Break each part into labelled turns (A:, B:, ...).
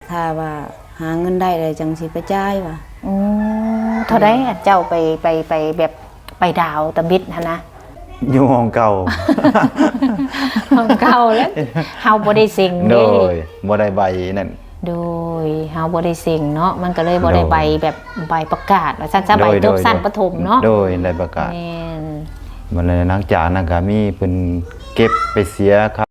A: ถ้าว่าหาเงินได้เลยจังสิไปจ่ายว่ะ
B: เท่าไดเจ้าไปแบบไปดาวตะบิดนะ
C: อยู่ห้องเก่า
B: ห้องเก่าแล้วเฮาบ่ได้สิ่ง
C: โด
B: เด้
C: ยบ่ได้ใบนั่น
B: โดยเฮาบ่ได้สิ่งเนาะมันก็เลยบ่ได้ใบแบบใบประกาศว่าซั่นซะใบจบสั้นประถมเนาะ
C: โดยได้ประกาศ
B: แม่น
C: มันเลยหลังจากนั้นก็มีเพิ่นเก็บไปเสียครับ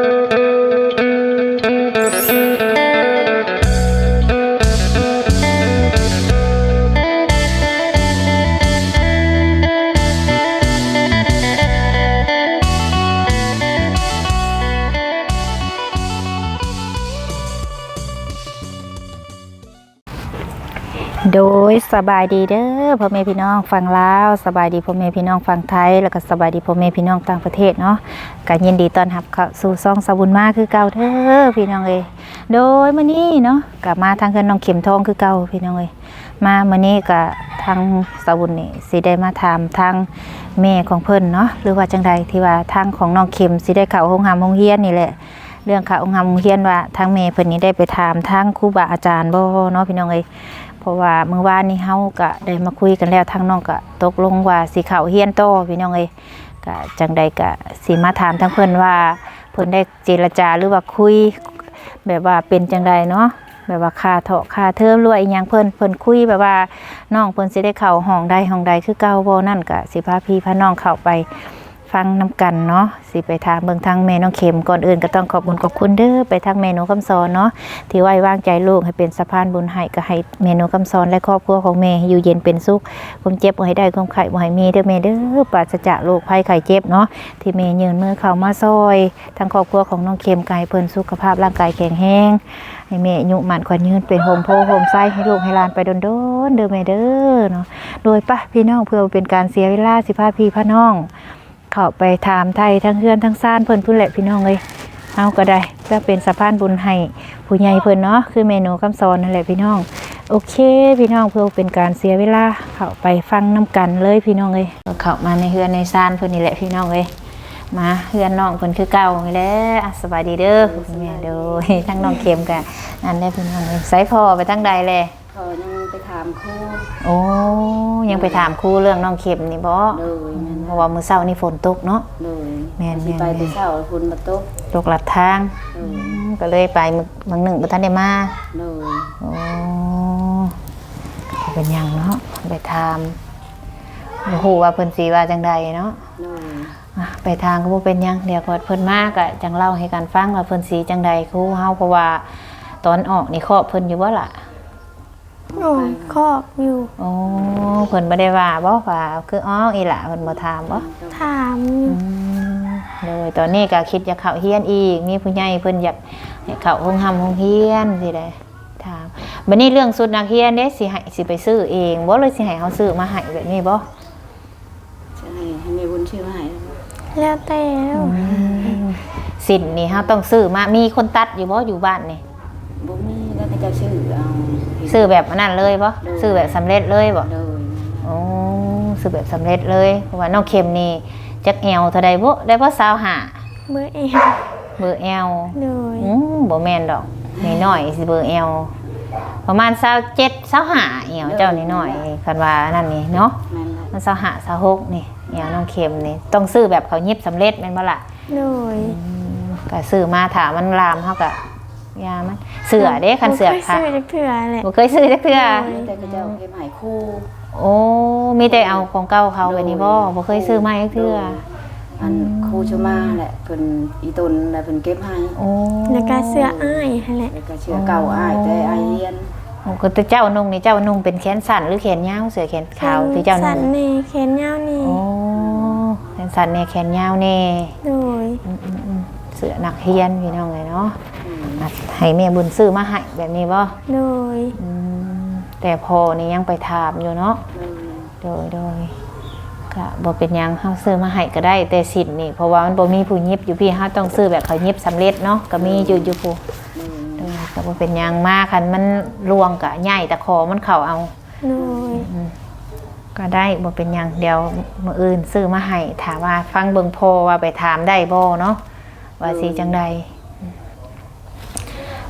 B: โดยสบายดีเด้อพ่อแม่พี่น้องฝั่งลาวสบายดีพ่อแม่พี่น้องฝั่งไทยแล้วก็สบายดีพ่อแม่พี่น้องต่างประเทศเนาะก็ยินดีต้อนรับเข้าสู่ซ่องสบุญมาคือเก่าเด้อพี่น้องเอ้ยโดยมื้อนี้เนาะก็มาทางเพิ่นน้องเข็มทองคือเก่าพี่น้องเอ้ยมามื้อนี้ก็ทางสบุญนี่สิได้มาถามทางแม่ของเพิ่นเนาะหรือว่าจังใดที่ว่าทางของน้องเข็มสิได้เข้าโรงเรียนนี่แหละเรื่องเข้าโรงเรียนว่าทางแม่เพิ่นนี่ได้ไปถามทางครูบาอาจารย์บ่เนาะพี่น้องเอ้ยเพราะว่าเมื่อวานนี้เฮาก็ได้มาคุยกันแล้วทางน้องก็ตกลงว่าสิเข้าเรียนต่อพี่น้องเอ้ยก็จังใดก็สิมาถามทางเพิ่นว่าเพิ่นได้เจรจาหรือว่าคุยแบบว่าเป็นจังใดเนาะแบบว่าค่าเถาะค่าเทอมหรือว่าอีหยังเพิ่นคุยแบบว่าน้องเพิ่นสิได้เข้าห้องใดคือเก่าบ่นั่นก็สิพาพี่พาน้องเข้าไปฟังนำกันเนาะสิไปถามเบิ่งทางแม่น้องเข็มก่อนอื่นก็ต้องขอบคุณเด้อไปทางเมนูคำสอนเนาะที่ไว้วางใจลูกให้เป็นสะพานบุญให้ก็ให้เมนูคำสอนและครอบครัวของแม่อยู่เย็นเป็นสุขความเจ็บบ่ให้ได้ความไข้บ่ให้มีเด้อแม่เด้อปราศจากโรคภัยไข้เจ็บเนาะที่แม่ยืนมือเข้ามาซอยทางครอบครัวของน้องเข็มกายเพิ่นสุขภาพร่างกายแข็งแรงให้แม่อายุมั่นขวัญยืนเป็นโฮมโพโฮมไส้ให้ลูกให้หลานไปโดนๆเด้อแม่เด้อเนาะโดยป่ะพี่น้องเพื่อเป็นการเสียเวลาสิพาพี่พาน้องเข้าไปถามไทยทั้งเฮือนทั้งซ่านเพิ่นพุ่นแหละพี่น้องเอ้ยเอาก็ได้เพื่อเป็นสะพานบุญให้ผู้ใหญ่เพิ่นเนาะคือเมนูคำสอนนั่นแหละพี่น้องโอเคพี่น้องเพื่อเป็นการเสียเวลาเข้าไปฟังน้ำกันเลยพี่น้องเอ้ยเข้ามาในเฮือนในซ่านเพิ่นนี่แหละพี่น้องเอ้ยมาเฮือนน้องเพิ่นคือเก่านี่แหละสบายดีเด้อแม่โดยทั้งน้องเข็มกับนั่นได้พี่น้องเอ้ยไสพ่อไปทางใดแล
A: ยังไปถามครู
B: โอ้ยังไปถามครูเรื่องน้องเข็มนี่บ่เพราะว่ามื้อเช้านี่ฝนตกเนาะ
A: แม่นไปแต่เช้าฝนมา
B: ตกลัดทางก็เลยไปมื้อหนึ่งบ่ทันได้มาโอ้เป็นหยังเนาะไปถามบ่ฮู้ว่าเพิ่นสิว่าจังใดเนาะไปทางก็บ่เป็นหยังเดี๋ยวพอเพิ่นมาก็จังเล่าให้กันฟังว่าเพิ่นสิจังใดครูเฮาเพราะว่าตอนออกนี่ครอบเพิ่นอยู่บ่ล่ะ
D: ครอบอยู่
B: โอ้เพิ่นบ่ได้ว่าบ่ว่าคืออ้ออีหล่ะเพิ่นบ่ถามบ่
D: ถาม
B: เลยตอนนี้ก็คิดจะเข้าเรียนอีกมีผู้ใหญ่เพิ่นอยากให้เข้าโรงเรียนสิได้ถามบัดนี้เรื่องชุดนักเรียนเด้สิไปซื้อเองบ่เลยสิให้เฮาซื้อมาให้แบบนี้บ่
A: ใช่ให้แม่บุญชื่อมาให้
D: แล้วแต่
B: สินนี่เฮาต้องซื้อมามีคนตัดอยู่บ่อยู่บ้านนี่
A: บ่มีแล้วก็จะซื้อเอา
B: ซื้อแบบนั้นเลยบ่ซื้อแบบสำเร็จเลยบ่โอ้ซื้อแบบสำเร็จเลยเพราะว่าน้องเข็มนี่จักแอวเท่าใดบ่ได้บ่25
D: เบอร์
B: แอล
D: เลย
B: บ่แม่นดอกน้อยๆสิเบอร์แอลประมาณ27 25แอวเจ้าน้อยๆคันว่านั่นนี่เนาะมัน25 26นี่แอวน้องเข็มนี่ต้องซื้อแบบเขายิบสำเร็จแม่นบ่ล่ะ
D: เลย
B: ก็ซื้อมาถ้ามันลามเฮาก็ยามันเสือเด้คันเสือค่ะ
D: บ่เคยซื้อจักเทื่อแหละ
B: บ่เคยซื้อจักเทื่อ
A: แต่ก็จะเก็บให้ครู
B: โอ้มีแต่เอาของเก่าเขาแบบนี้บ่เคยซื้อมาจักเทื่อ
A: อันครูชมาแหละเพิ่นอีตนแล้วเพิ่นเก็บให้
B: โอ้
D: แล้วก็เสื้ออ้ายนั่นแหละ
A: แล้วก็เสื้อเก่าอ้ายแต่อ้ายเรียน
B: โอ้ก็เจ้านุ่งนี่เจ้านุ่งเป็นแขนสั้นหรือแขนยาวเสื้อแขนขาวที่เจ้านุ่ง
D: สั้นนี่แขนยาวนี่
B: โอ้แขนสั้นนี่แขนยาวนี่
D: โดย
B: เสื้อนักเรียนพี่น้องเลยเนาะให้แม่บุญซื้อมาให้แบบนี้บ่
D: โดย
B: แต่พอนี่ยังไปถามอยู่เนาะโดยก็บ่เป็นหยังเฮาซื้อมาให้ก็ได้แต่สินนี่เพราะว่ามันบ่มีผู้ยิบอยู่พี่เฮาต้องซื้อแบบเขายิบสำเร็จเนาะก็มีอยู่ผู้ก็บ่เป็นหยังมากคันมันรวงก็ใหญ่แต่คอมันเข้าเอาก็ได้บ่เป็นหยังเดี๋ยวมื้ออื่นซื้อมาให้ถามว่าฟังเบิ่งพอว่าไปถามได้บ่เนาะว่าสิจังใด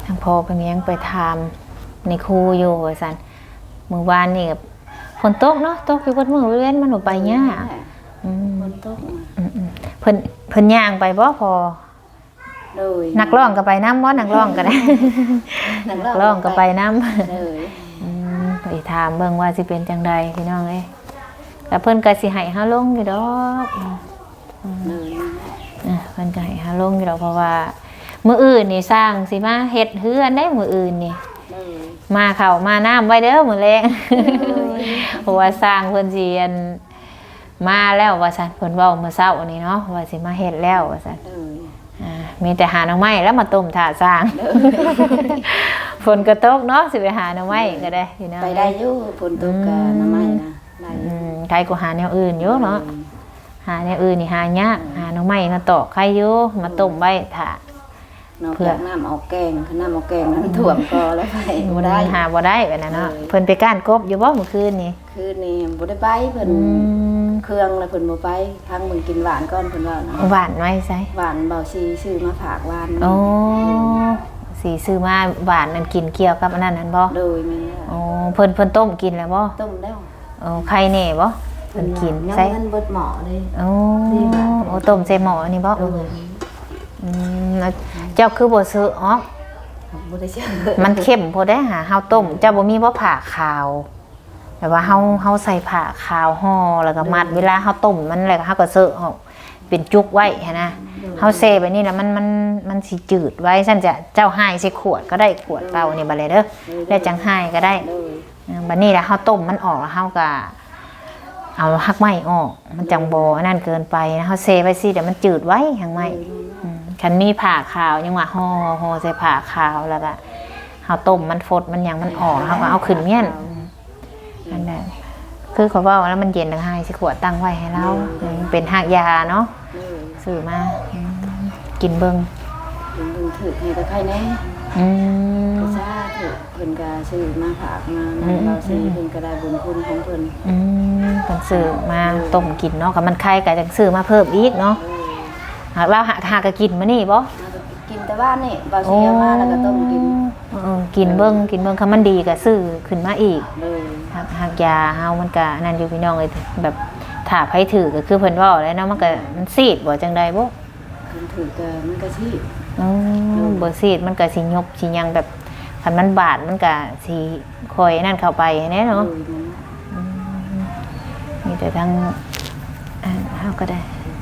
B: ทางพ่อเพิ่นก็ยังไปถามในครูอยู่ว่าซั่นมื้อวานนี่ก็ฝนตกเนาะตกอยู่เบิดมื้อเว้นมันบ่ไปยากอืม
A: ฝนตก
B: เพิ่นย่างไปบ่พอ
A: เลย
B: นักร้องก็ไปนํบ่นักร้องก็ได้ นักร้องก็ไปนํ
A: เลย
B: ไปถามเบิ่งว่าสิเป็นจังใดพี่น้องเอ้ยแล้วเพิ่นก็สิให้เฮาลงอยู่ดอก
A: เลย
B: เพิ่นก็ให้เฮาลงอยู่ดอกเพราะว่ามื้ออื่นนี่สร้างสิมาเฮ็ดเฮือนได้มื้ออื่นนี่
A: เลย
B: มาข้าวมาน้ำไว้เด้อมื้อแลง เพราะว่าสร้างเพิ่นสิอันมาแล้วว่าซั่นเพิ่นเว้าเมื่อเช้านี้เนาะว่าสิมาเฮ็ดแล้วว่าซั่น
A: เลย
B: มีแต่หาหน่อไม้แล้วมาต้มถาสร้าง ฝนก็ตกเนาะสิไปหาหน่อไม้ก็ได้พี่น้อง
A: ไปได้อยู่ฝนตกกับน้ำไม้นะได้อยู่
B: ใครก็หาแนวอื่นอยู่เนาะหาแนวอื่นนี่หายากหาหน่อไม้มาตอกไข่อยู่มาต้มไว้ถา
A: นอกจากน้ำเอาแกงน้ำเอาแกงนั้นถ่วมก็แล้วไปบ่ได้
B: หาบ่ได้แบบนั้นเนาะ
A: เออ
B: เพิ่นไปก้านกบอยู่บ่เมื่อคืนนี่
A: คืนนี้บ่ได้ไปเพิ่นเครื่องแล้วเพิ่นบ่ไปทางมึงกินหวานก่อนเพิ่นว่านะ
B: หวานไว้ใส่
A: หวานเบาซีซื้อมาฝากหวาน
B: โอ้สีซื้อมาหวานนั่นกินเกี่ยวกับอันนั้นนั่นบ่
A: โดยแม่นแล้ว
B: โอ้เพิ่นต้มกินแล้วบ่
A: ต้มแล้ว
B: โอ้ไข่แน่บ่เพิ่นกิน
A: ยัง
B: ใส่
A: เงินเบิดหม้อเลย
B: โอ้โอ้ต้มใส่หม้อนี่บ่
A: โดย
B: แล้วเจ้าคือบ่ซื้อออก
A: บ่ได้เชื่อ
B: มันเข้มพอได้หาเฮาต้มเจ้าบ่มีบ่ผ่าขาวแต่ว่าเฮาใส่ผ่าขาวห่อแล้วก็มัดเวลาเฮาต้มมันแล้วก็เฮาก็เซอะออกเป็นจุกไว้หันนะเฮาเซแบบนี้แล้วมันสิจืดไว้ซั่นจะเจ้าให้ใส่ขวดก็ได้ขวดเก่านี่บัดเลยเด้อแล้วจังให้ก็ได้
A: โดย
B: บัดนี้แล้วเฮาต้มมันออกแล้วเฮาก็เอาหักไม้ออกมันจังบ่อันนั้นเกินไปนะเฮาเซไว้สิเดี๋ยวมันจืดไว้หักไม้ คันมีผ่าขาวยังว่าห่อใส่ผ่าขาวแล้วก็เอาต้มมันฟดมันยังมันออกเขาก็เอาขึ้นเมี่ยนนั่นแหละคือเขาว่าแล้วมันเย็นทั้งให้สิขวดตั้งไว้ให้เราเป็นหากยาเนาะ
A: โดย
B: ซื้อมากินเบิ้ง
A: ถึงถือให้ก็ใครแน่
B: อืม
A: ก็ซาถือเพิ่นก็ซื้อมาฝากมานะเบาซีเพิ่นก็ได้บุญคุณของเพิ่น
B: ต้องซื้อมาต้มกินเนาะกับมันไข่ก็จังซื้อมาเพิ่มอีกเนาะ
A: โดย
B: หากเราหากก็กินมานี่บ่
A: กินแต่บ้านนี่เบาซีเอามาแล้วก็ต้มกิน
B: กินเบิ้งคันมันดีก็ซื้อขึ้นมาอีก
A: โดย
B: หากยาเฮามันก็นั่นอยู่พี่น้องเลยแบบถ้าไผถือก็คือเพิ่นเว้าแล้วเนาะมันก็มันซีดบ่จังใดบ่
A: เพิ่นถือก็มันก็ชีพ
B: บ่ซีดมันก็สิยบสิหยังแบบคันมันบาดมันก็สิคอยนั่นเข้าไปแน่เนาะ
A: โดยมัน
B: มีแต่ทั้งเฮาก็ได้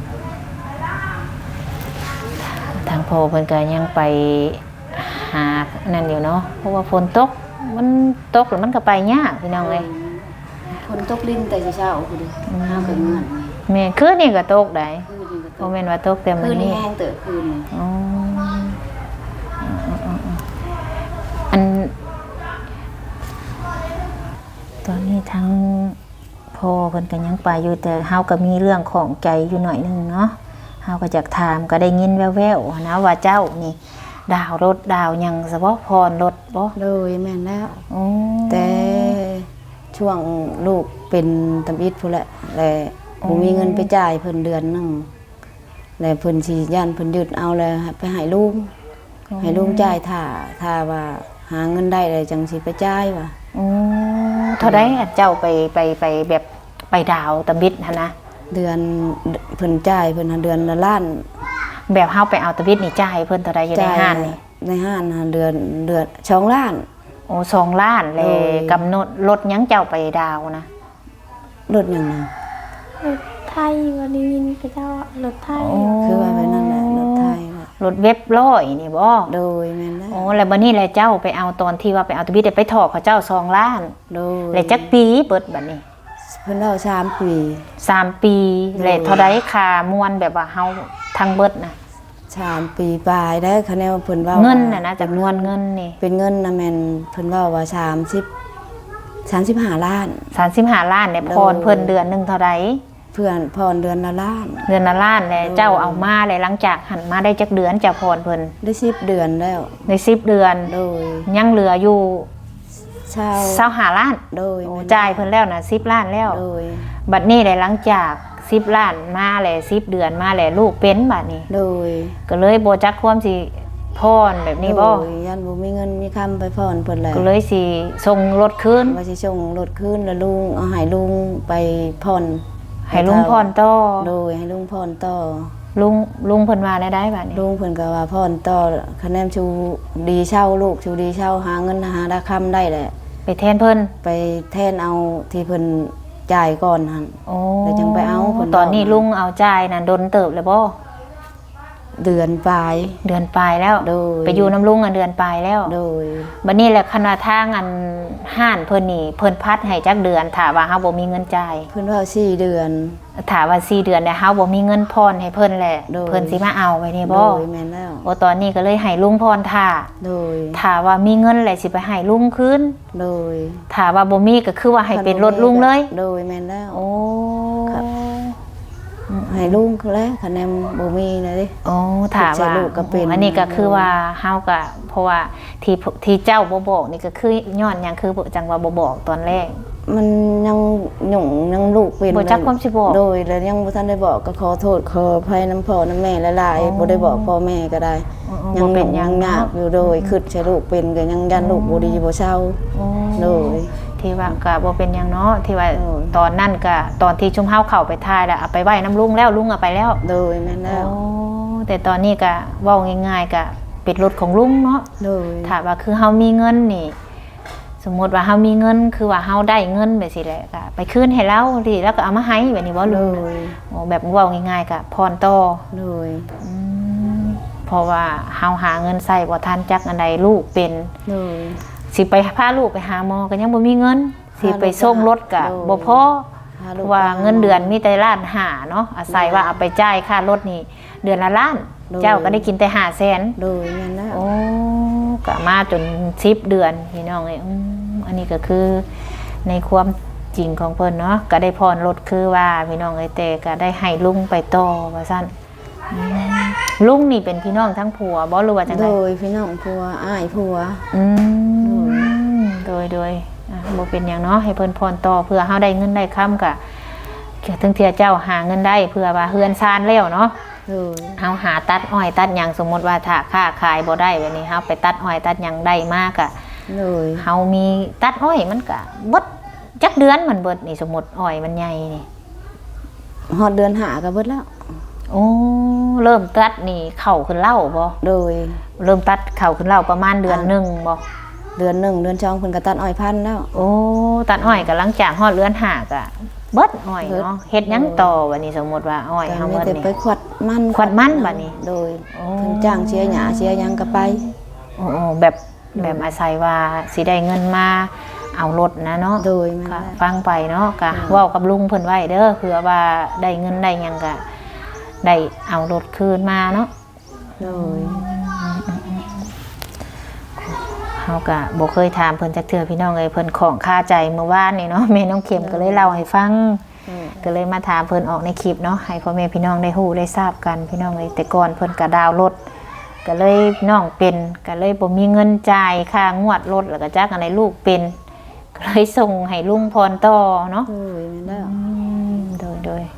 B: ทางพ่อเพิ่นก็ยังไปหานั่นอยู่เนาะเพราะว่าฝนตกมันตกแล้วมันก็ไปยากพี่น้องเอ้ย
A: คนตกลิ้นแต่เช้าๆคือดิห้าเป็นเงิน
B: แม่คืนนี้ก็ตกได้
A: คือนี่ก็ต
B: บ่
A: ก
B: แม่นว่าตกแต่
A: คื
B: มื้
A: อ
B: อ
A: นี่
B: นี้
A: แห้งเติบคืนนี่
B: อ๋ออันตอนนี้ทั้งพ่อเพิ่นก็ยังไปอยู่แต่เฮาก็มีเรื่องของใจอยู่หน่อยนึงเนาะเฮาก็อยากถามก็ได้ยินแว่วๆนะว่าเจ้านี่ดาวรถดาวหยังซะบ่พรรถบ่
A: โดยแม่นแล้ว
B: อ๋อ
A: แต่ช่วงลูกเป็นตำอิดพุ่นแหละและบ่มีเงินไปจ่ายเพิ่นเดือนหนึงแล้วเพิ่นสิย่านเพิ่นยึดเอาแล้วไปให้ลุงให้ลุงจ่ายถ้าว่าหาเงินได้เลยจังสิไปจ่ายว่ะ
B: อ๋อเท่าใดอะเจ้าไปแบบไปดาวตะบิดหั่นนะ
A: เดือนเพิ่นจ่ายเพิ่นหาเดือนละล้าน
B: แบบเฮาไปเอาตะบิดนี่จ่ายเพิ่นเท่าใดอยู่ในห้านนี่
C: ในห้านนะเดือน2 ล้าน
B: โอ้2 ล้านเล
C: โอ้
B: ย
C: ย
B: กำหนดรถยังเจ้าไปดาวนะ
C: รถหยังนะ
D: รถไทยวันนี้ยินพระเจ้ารถไทย
C: คือว่าไปนั่นแหละรถไทยน่ะ
B: รถเว็บร้อยนี่บ่
C: โดยแม่นแล้ว
B: โอ้แล้วบัดนี้แหละเจ้าไปเอาตอนที่ว่าไปเอาตะบิดไปถอกเขาเจ้า2 ล้าน
C: โดย
B: แล้วจักปีเบิดบัดนี้
C: เพิ่นเล่า3 ปี
B: 3 ปีแล้วเท่าใดค่ามวนแบบว่าเฮาทั้งเบิดนะ
C: 3 ปีปลายได้คะแนนว่าเพิ่นว่า
B: เงินน่ะนะจำนวนเงินนี่
C: เป็นเงินนะแม่นเพิ่นว่าว่า35 ล้าน
B: 35 ล้านเนี่ยพรเพิ่นเดือนหนึงเท่าใด
C: เพื่อนพรเดือนละล้าน
B: เดือนละล้านแล้วเจ้าเอามาแล้วหลังจากหันมาได้จักเดือนเจ้าพรเพิ่น
C: ได้10 เดือนแล้ว
B: ใน10 เดือน
C: โดย
B: ยังเหลืออยู่
C: ชาว
B: 25 ล้าน
C: โดย
B: โอ้จ่ายเพิ่นแล้วนะ10 ล้านแล้ว
C: โดย
B: บัดนี้แหละหลังจาก10 ล้านมาแล้ว10 เดือนมาแล้วลูกเป็นบัดนี้
C: โดย
B: ก็เลยบ่จักความสิพรแบบนี้บ่
A: โดยยันบ่มีเงินมีคำไปพรเพิ่นแหละ
B: ก็เลยสิส่งรถคืน
A: ว่าสิส่งรถคืนแล้วลุงเอาให้ลุงไปพร
B: ให้ลุงพรต่อ
A: โดยให้ลุงพรต่อ
B: ลุงเพิ่นว่าได้บัดนี้
A: ลุงเพิ่นก็ว่าพรต่อคะแนนชูดีเช่าลูกชูดีเช่าหาเงินหาราคำได้แหละ
B: ไปแทนเพิ่น
A: ไปแทนเอาที่เพิ่นจ่ายก่อนหั่น
B: โอ้
A: แล้วจังไปเอาเพิ่น
B: ตอนนี้ลุงเอาจ่ายน่ะดนเติบแล้วบ่
A: เดือนปลาย
B: เดือนปลายแล้ว
A: โดย
B: ไปอยู่น้ำลุงเดือนปลายแล้ว
A: โดย
B: บัดนี้แหละคณะทางอันห้านเพิ่นนี่เพิ่นพัดให้จักเดือนถ้าว่าเฮาบ่มีเงินจ่าย
A: เพิ่นว่า4 เดือน
B: ถ้าว่า4เดือนเนี่ยเฮาบ่มีเงินพรให้เพิ่นแหละ
A: โดย
B: เพิ่นสิมาเอาไว้นี่
A: โด
B: บ่
A: ยแม่นแล้ว
B: บ่ตอนนี้ก็เลยให้ลุงพรท่า
A: โดย
B: ถ้าว่ามีเงินแหละสิไปให้ลุงคืน
A: โดย
B: ถ้าว่าบ่มีก็คือว่าให้เป็นรถลุงเลย
A: โดยแม่นแล้ว
B: โอ้
A: ครับ ให้ลุงเขาแล้วคะแนนบ่มีนะดิ
B: โอ้ถามว่า
A: ใช่ลูกก็เป็น
B: อันนี้ก็คือว่าเฮาก็เพราะว่าที่เจ้าบ่บอกนี่ก็คือย้อนหยังคือบ่จังว่าบ่บอกตอนแรก
A: มันยังหยุ่งยังลูกเป็น
B: บ่จักความสิบอก
A: โดยแล้วยังบ่ทันได้บอกก็ขอโทษขออภัยน้ำพ่อน้ำแม่หลาย
B: อ๋อ
A: ๆบ่ได้บอกพ่อแม่ก็ได้
B: อ๋อ
A: ยัง
B: บ่เป็นหยั
A: ยัง งยากอยู่โดยคิดใช้ลูกเป็นก็ยังยันลูกบ่ดีบ่เศร้า
B: โอ้
A: โดย
B: ที่ว่าก็บ่เป็นหยังเนาะที่ว่า
A: โอ้ย
B: ตอนนั้นก็ตอนที่ชุมเฮาเข้าไปทายแล้วเอาไปไว้น้ำลุงแล้วลุงเอาไปแล้ว
A: โดยแม่นแล้ว
B: โอ้แต่ตอนนี้ก็เว้าง่ายๆก็เป็นรถของลุงเนาะ
A: โดย
B: ถ้าว่าคือเฮามีเงินนี่ สมมติว่าเฮามีเงินคือว่าเฮาได้เงินแบบสิแหละก็ไปคืนให้เราดิแล้วก็เอามาให้แบบนี้บ่
A: โด
B: ลุง
A: ย
B: โอ้แบบเว้าง่ายๆก็พรต่อ
A: โดย
B: อืมเพราะว่าเฮาหาเงินใส่บ่ทันจักอันใดลูกเป็น
A: โดย
B: สิไปพาลูกไปหาหมอก็ยังบ่มีเงินสิไปส่งรถก็บ่พอ
A: พา
B: เพ
A: ลูก
B: ราะว่า
A: ไปห
B: เงินเดือนมีแต่ล้านห้าเนาะอาศัยว่าเอาไปจ่ายค่ารถนี่เดือนละล้าน
A: โดย
B: เจ้าก็ได้กินแต่500,000
A: โดยแม่นแล้ว
B: โอ้ก็มาจน10 เดือนพี่น้องเอ้ยอันนี้ก็คือในความจริงของเพิ่นเนาะก็ได้พรรถคือว่าพี่น้องเอ้ยแต่ก็ได้ให้ลุงไปต่อว่าซั่นลุงนี่เป็นพี่น้องทั้งผัวบ่หรือว่าจังได
A: โดยพี่น้องผัวอ้ายผัว
B: อืมโดยบ่เป็นหยังเนาะให้เพิ่นพรต่อเพื่อเฮาได้เงินได้ค้ำก็ถึงเที่ยเจ้าหาเงินได้เพื่อว่าเฮือนซานแล้วเนาะ
A: โดย
B: เฮาหาตัดอ้อยตัดหยังสมมติว่าถ้าค้าขายบ่ได้แบบนี้เฮาไปตัดอ้อยตัดหยังได้มากอะ
A: โดย
B: เฮามีตัดอ้อยมันก็เบิดจักเดือนมันเบิดนี่สมมุติอ้อยมันใหญ่นี่
A: ฮอดเดือนหาก็เบิดแล้ว
B: โอ้เริ่มตัดนี่เข้าขึ้นเล่าบ่
A: โดย
B: เริ่มตัดเข้าขึ้นเล่าประมาณเดือนหนึงบ่
A: เดือนหนึ่งเดือนช่องเพิ่นก็ตัดอ้อยพันธุ์แล้ว
B: โอ้ตัดอ้อยก็หลังจากฮอดเดือน5ก็เบิดอ้อยเนาะเฮ็ดหยังต่อบัดนี้สมมุติว่าอ้อย
A: แต่
B: เฮา
A: ไม่
B: เบิด
A: ได้
B: นี่
A: ไปขวัดมัน
B: ขวัดมันบัดนี้
A: โดย
B: โอ้
A: เพิ่นจ้างเชียร์หญ้าเชียร์หยังก็ไป
B: โอ้แบบอาศัยว่าสิได้เงินมาเอารถนะเนาะ
A: โดยแม่น
B: ก็
A: แล้ว
B: ฟังไปเนาะก็เว้ากับลุงเพิ่นไว้เด้อเผื่อว่าได้เงินได้หยังก็ได้เอารถคืนมาเนาะ
A: โดย
B: เฮาก็บ่เคยถามเพิ่นจักเทื่อพี่น้องเอ้ยเพิ่นของคาใจเมื่อวานนี่เนาะแม่น้องเข็มก็เลยเล่าให้ฟังก็เลยมาถามเพิ่นออกในคลิปเนาะให้พ่อแม่พี่น้องได้ฮู้ได้ทราบกันพี่น้องเอ้ยแต่ก่อนเพิ่นก็ดาวน์รถก็เลยน้องเป็นก็เลยบ่มีเงินจ่ายค่างวดรถแล้วก็จักอันใดลูกเป็นก็เลยส่งให้ลุงพรต่อเนาะ
A: โดยแม่นแล้ว
B: โดย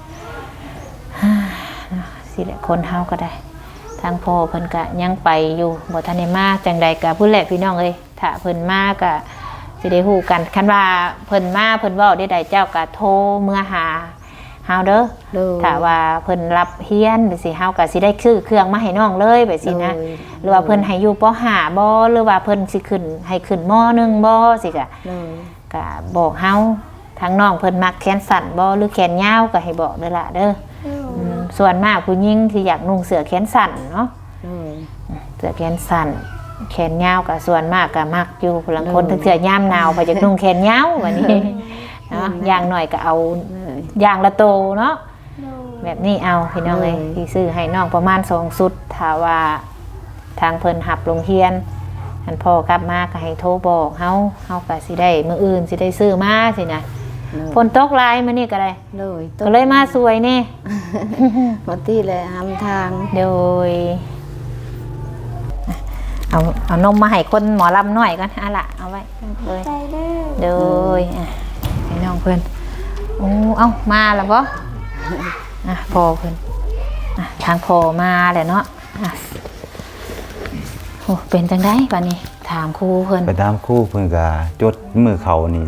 B: สิแหละคนเฮาก็ได้ทางพ่อเพิ่นก็ยังไปอยู่บ่ทันได้มาจังใดก็ผู้แหละพี่น้องเอ้ยถ้าเพิ่นมาก็สิได้ฮู้กันคันว่าเพิ่นมาเพิ่นเว้าได้ใดเจ้าก็โทรเมื่อหาเฮาเด้อ
A: โดย
B: ถ้าว่าเพิ่นรับเฮียนไปสิเฮาก็สิได้ซื้อเครื่องมาให้น้องเลยไปสินะ
A: โดย
B: หรือว่าเพิ่นให้อยู่ป .5 บ่หรือว่าเพิ่นสิขึ้นให้ขึ้นม .1 บ่สิก็
A: โดย
B: ก็บอกเฮาทางน้องเพิ่นมักแขนสั้นบ่หรือแขนยาวก็ให้บอกเด้อล่ะเด้อส่วนมากผู้หญิงที่อยากนุ่งเสื้อแขนสั้นเนาะ
A: โดย
B: เสื้อแขนสั้นแขนยาวก็ส่วนมากก็มักอยู่พลังคนถึงเสื้อยามหนาวไปจากนุ่งแขนยาววันนี้เนาะอย่างหน่อยก็เอา
A: โดย
B: อย่างละโตเนาะ
D: โดย
B: แบบนี้เอาพี่น้องเอ้ย
A: เลย
B: ที่ซื้อให้น้องประมาณ2ชุดถ้าว่าทางเพิ่นหับโรงเรียนอันพ่อกลับมาก็ให้โทรบอกเฮาก็สิได้มื้ออื่นสิได้ซื้อมาสินะฝนตกหลายมื้อนี้ก็ได้
A: โดย
B: ก็เลยมาสวยนี่
A: หมดที่เลยหำทาง
B: โดยเอานมมาให้คนหมอลำหน่อยก่อนอ่ะล่ะเอาไว้เลย
D: ใจเด้อ
B: โดยอ่ะให้น้องเพิ่นโอ้เอ้ามาแล้วบ่พอเพิ่นทางพอมาแหละเนาะโอ้เป็นจังได๋บัดนี้ถามครูเพิ่น
C: ไปตามครูเพิ่นก็จดมือเขานี่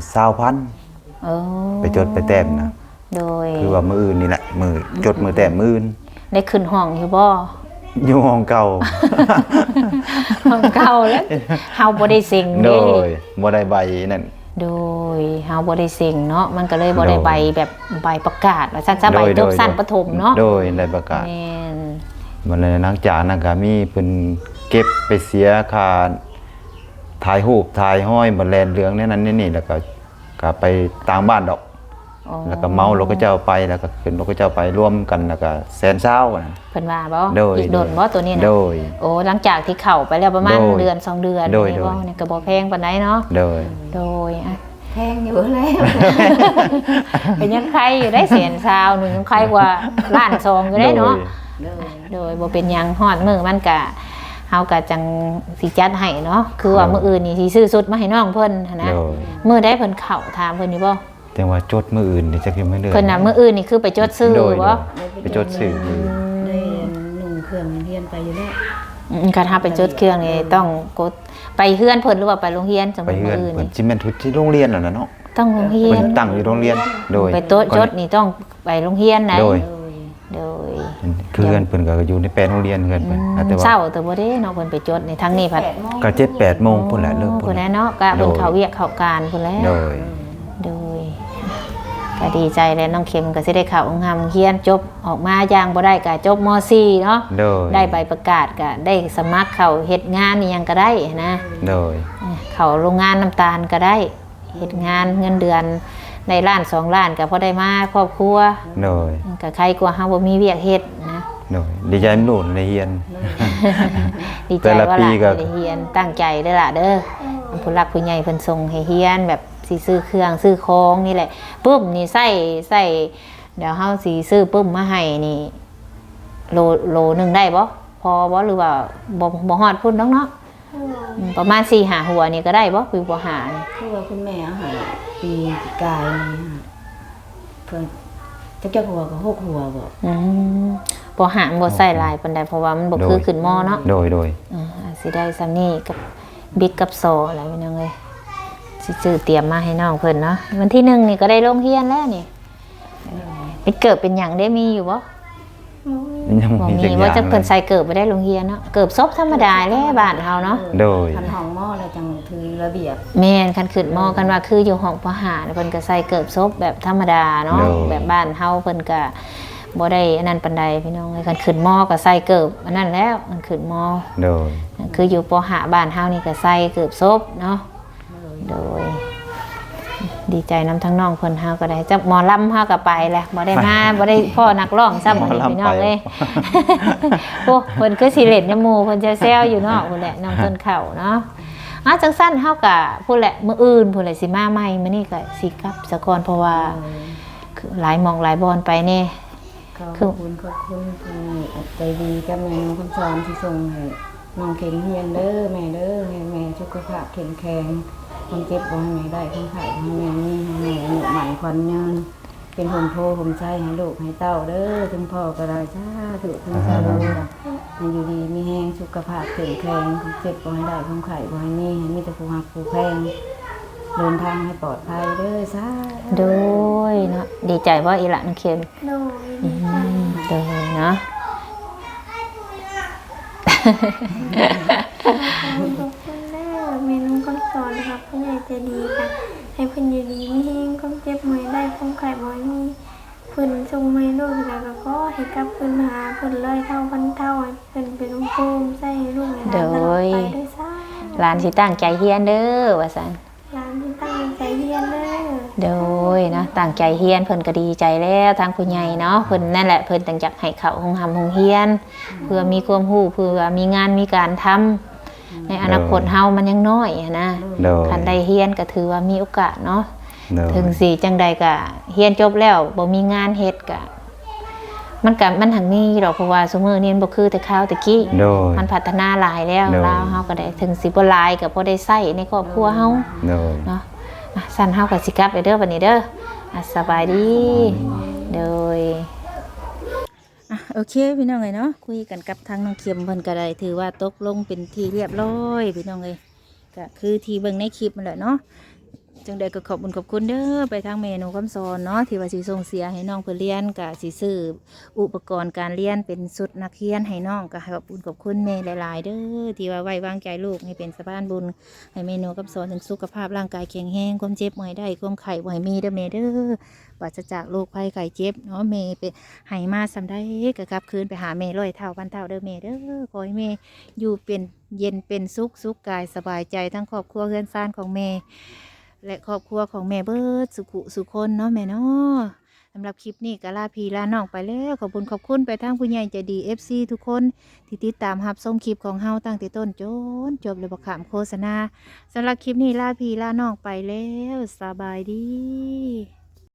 C: 20,000
B: โอ้
C: ไปจดไปแต้มนะ
B: โดย
C: คือว่ามืออื่นนี่แหละมือจดมือแต้มมืออื่น
B: ได้ขึ้นห้องอยู่บ่
C: อยู่ห้องเก่า
B: ห้องเก่าแล้วเฮาบ่ได้เซ็ง
C: โด
B: เด้
C: ยบ่ได้ใบนั่น
B: โดยเฮาบ่ได้เซ็งเนาะมันก็เลยบ่ได้
C: โดย
B: ใบแบบใบประกาศว่าซั่นซะใบจบสั้นประถมเนาะ
C: โดยได้ประกาศ
B: แม่น
C: มันเลยหลังจากนั้นก็มีเพิ่นเก็บไปเสียค่าถ่ายรูปถ่ายห้อยบ่แลนเหลืองเนี่ยนั้นนี่แล้วก็ไปต่างบ้านดอก
B: อ๋อ
C: แล้วก็เมารถก็เจ้าไปแล้วก็ขึ้นรถก็เจ้าไปร่วมกันแล้วก็120,000นะ
B: เพิ่นว่าบ่
C: โดย
B: อีกโดนบ่ตัวนี้นะ
C: โดย
B: โอ้หลังจากที่เข้าไปแล้วประมาณ
C: โดย
B: เดือน2เดือน
C: โดย
B: นี่
C: โดย
B: บ่นี่ก็บ่แพงปานใดเนาะ
C: โดย
B: โดยอ่ะ
A: แพงอยู่แล้ว
B: เป็นยังใครอยู่ได้แสนซาวหนึงยังใครกว่าล้านซองอยู่ได้เนาะ
A: เลย
B: โดยบ่เป็นหยังฮอดมื้อมันก็เฮาก็จังสิจัดให้เนาะคือว่ามื้ออื่นนี่สิซื้อสุดมาให้น้องเพิ่นหั้นนะ
C: โดย
B: มื้อใดเพิ่นเข้าถามเพิ่นอยู่บ่
C: แต่ว่าจดมืออื่นนี่จักยังไม่เดือน
B: เพิ่นน่ะมื้ออื่นนี่คือไปจดซื้อ
C: โดย
B: บ่
C: ไปจดซื้อมือ
A: ได้นุ่งเครื่องเรียนไปอยู่แล้ว
B: คันถ้าไปจดเครื่องนี่ต้องกดไปเฮือนเพิ่นหรือว่าไปโรงเรียนสม
C: ไป
B: มุติ
C: เฮื
B: มื้
C: อน
B: ออื่น
C: เหมือน
B: นี่
C: จิแม่นทุกที่โรงเรียนน่ะนะเนาะ
B: ต้องโรงเรีย
C: เพิ่
B: น
C: นตั้งอยู่โรงเรียนโดย
B: ไปโต๊ะจดนี่ต้องไปโรงเรียนนะ
C: โดย
B: โดย
C: คือเฮือนเพิ่นก็อยู่ในแปลนโรงเรียนเฮือนเพิ่นแต่ว่า
B: เช้าแต่บ่ได้เนาะเพิ่นไปจดในทางนี้พัด
C: ก็7-8โมงพุ่นแหละเริ่ม
B: พุ่
C: พุ่
B: น
C: น
B: แหละเนาะก็เพิ่นเข้าเวียกเข้าการพุ่นแหล้ว
C: โดย
B: โดยก็ดีใจแล้วน้องเข็มก็สิได้เข้าองค์ธรรมเรียนจบออกมาอย่างบ่ได้ก็จบม .4 เนาะ
C: โดย
B: ได้ใบประกาศก็ได้สมัครเข้าเฮ็ดงานนี่ยังก็ได้นะ
C: โดย
B: เข้าโรงงานน้ำตาลก็ได้เฮ็ดงานเงินเดือนในล้าน2ล้านก็พอได้มาครอบครัว
C: โดย
B: ก็ใครกว่าเฮาบ่มีเวียกเฮ็ดนะ
C: โดยดีใจลูกในเฮียน
B: ดีใจ
C: แต่ละ
B: ว่า
C: ปี
B: หลาน
C: ก็
B: ได้เฮียนตั้งใจเด้อล่ะเด้อผู้หลักผู้ใหญ่เพิ่นส่งให้เฮียนแบบสิซื้อเครื่องซื้อของนี่แหละปุ๊บนี่ใส่เดี๋ยวเฮาสิซื้อปุ๊บมาให้นี่โลนึงได้บ่พอบ่หรือว่าบ่ฮอดพุ่นดอกเนาะประมาณ 4-5 หัวนี่ก็ได้บ่คือบ่หานี่
A: คือว่าคุณแม่เอาใหาปีกายนี่ฮะเพิ่นจักหัวก็6หัวบ่
B: บ่หาบ่ใส่หลายปานใดเพราะว่ามันบ่คือขึ้นหม้อเนาะ
C: โดย
B: สิได้ซ้ำนี่กับบิ๊กกับโซอะไรเป็นยังไงสิซื้อเตรียมมาให้น้องเพิ่นเนาะวันที่1นี่ก็ได้ลงเรียนแล้วนี่ไปเกิดเป็นหยังได้มีอยู่บ่
C: ยัง
B: บ่
C: มี
B: มี
C: จักอ
B: ว่า
C: ย่าง
B: จะ
C: เล
B: เพิ่น
C: ย
B: ใส่เกิดบ่ได้ลงเรียนเนาะเกิดซบธรรมดาแหละบ้านเฮาเนาะ
C: โดย
A: คันห้องหม้อแล้วจังถือระเบียบ
B: แม่นคันขึ้นมอกันว่าคืออยู่ห้องประหารเพิ่นก็ใส่เกิดซบแบบธรรมดาเนาะแบบบ้านเฮาเพิ่นก็บ่ได้อันนั้นปานใดพี่น้องคันขึ้นมอก็ใส่เกิบอันนั้นแล้วมันขึ้นมอ
C: โดย
B: คืออยู่ปหาบ้านเฮานี่ก็ใส่เกือบซบเนาะโดย ดีใจนำทั้งน้องเพิ่นเฮาก็ได้จักหมอลำเฮาก็ไปแหละบ่ได้มาบ่ได้พ่อนักร้องซ้ำ
C: หมอลำ
B: พี่น้อง
C: ไป
B: เอ้ย โอ้เพิ่นคือสิเล่นในหมู่เพิ่นแซวๆอยู่เนาะพุ่นแหละน้องต้นข้าวเนาะจังซั่นเฮาก็พุ่นแหละมื้ออื่นพุ่นแหละสิมาใหม่มื้อนี้ก็สิกลับซะก่อนเพราะว่าคือหลายหม่องหลายบอนไปแน่
A: ขอบคุณที่ใจดีกับแม่น้องคำสอนที่ส่งให้น้องเข็มเฮียนเด้อแม่เด้อให้แม่สุขภาพแข็งแรงความเจ็บบ่ให้แม่ได้ความไข้บ่ให้แม่มีให้แม่อายุหมันขวัญยืนเป็นห่มโพห่มใจให้ลูกให้เต้าเด้อถึงพ่อก็ได้สาธุถึงสาธุให้อยู่ดีมีแรงสุขภาพแข็งแรงความเจ็บบ่ให้ได้ความไข้บ่ให้มีให้มีแต่ผู้รักผู้แพงเดินทางให้ปลอดภัยเด้อสาธุ
B: โดยเนาะดีใจบ่อีหละน้องเข็ม
D: โดย
B: โดยเนาะ
D: ขอบคุณแม่เมนูคำสอนนะครับผู้ใหญ่ใจดีค่ะให้เพิ่นอยู่ดีไม่แห้งความเจ็บหวยได้ความไข่บ่มีเพิ่นทรงไม่ลูกแล้วก็ขอให้กลับเพิ่นหาเพิ่นร้อยเท่าพันเท่าให้เพิ่นเป็นองค์ภูมิใส่ลูกให้หลานตลอดไปด้วยซ้
B: หลานสิตั้งใจเฮียนเด้อว่าซั่น
D: หลานที่ตั้งใจเรียนเด้อ
B: โดยนะตั้งใจเฮียนเพิ่นก็ดีใจแล้วทางผู้ใหญ่เนาะเพิ่นนั่นแหละเพิ่นตั้งใจให้เข้าโรงเรียนเพื่อมีความรู้เพื่อมีงานมีการทำในอนาคตเฮามันยังน้อยอะนะ
C: โดย
B: คันได้เฮียนก็ถือว่ามีโอกาสเนาะ
C: โดย
B: ถึงสิจังใดก็เฮียนจบแล้วบ่มีงานเฮ็ดก็มันหังมีดอกเพราะว่าซุมื้อนี้มันบ่คือแต่คราวตะกี้
C: โดย
B: มันพัฒนาหลายแล้ว
C: โดย
B: ลาวเฮาก็ได้ถึงสิบ่หลายก็พอได้ใช้ในครอบครัวเฮา
C: โดย
B: เนาะสั่นเฮากับสิกลับเด้อวันนี้เด้อสบายดีโดยโอเคพี่น้องเอ้ยเนาะคุยกันกับทางน้องเข็มเพิ่นก็ได้ถือว่าตกลงเป็นที่เรียบร้อยพี่น้องเอ้ยก็คือที่เบิ่งในคลิปนั่นแหละเนาะจังใดก็ขอบคุณขอบคุณเด้อไปทางเมนูคำสอนเนาะที่ว่าสิส่งเสียให้น้องเพิ่นเรียนก็สิซื้ออุปกรณ์การเรียนเป็นชุดนักเรียนให้น้องก็ขอบคุณขอบคุณแม่หลายๆเด้อที่ว่าไว้วางใจลูกให้เป็นสะพานบุญให้เมนูคำสอนถึงสุขภาพร่างกายแข็งแรงความเจ็บบ่ให้ได้ความไข้บ่ให้มีเด้อแม่เด้อปราศจากโรคภัยไข้เจ็บเนาะแม่ไปให้มาสำได้ก็กลับคืนไปหาแม่ร้อยเท่าพันเท่าเด้อแม่เด้อขอให้แม่อยู่เป็นเย็นเป็นสุขกายสบายใจทั้งครอบครัวเฮือนซ่านของแม่ และครอบครัวของแม่เบิดสุขุสุคนเนาะแม่เนาะสำหรับคลิปนี้ก็ลาพี่ลาน้องไปแล้วขอบคุณไปทางผู้ใหญ่ใจดี FC ทุกคนที่ติดตามรับชมคลิปของเฮาตั้งแต่ต้นจนจบเลยบ่ขามโฆษณาสำหรับคลิปนี้ลาพี่ลาน้องไปแล้วสบายดี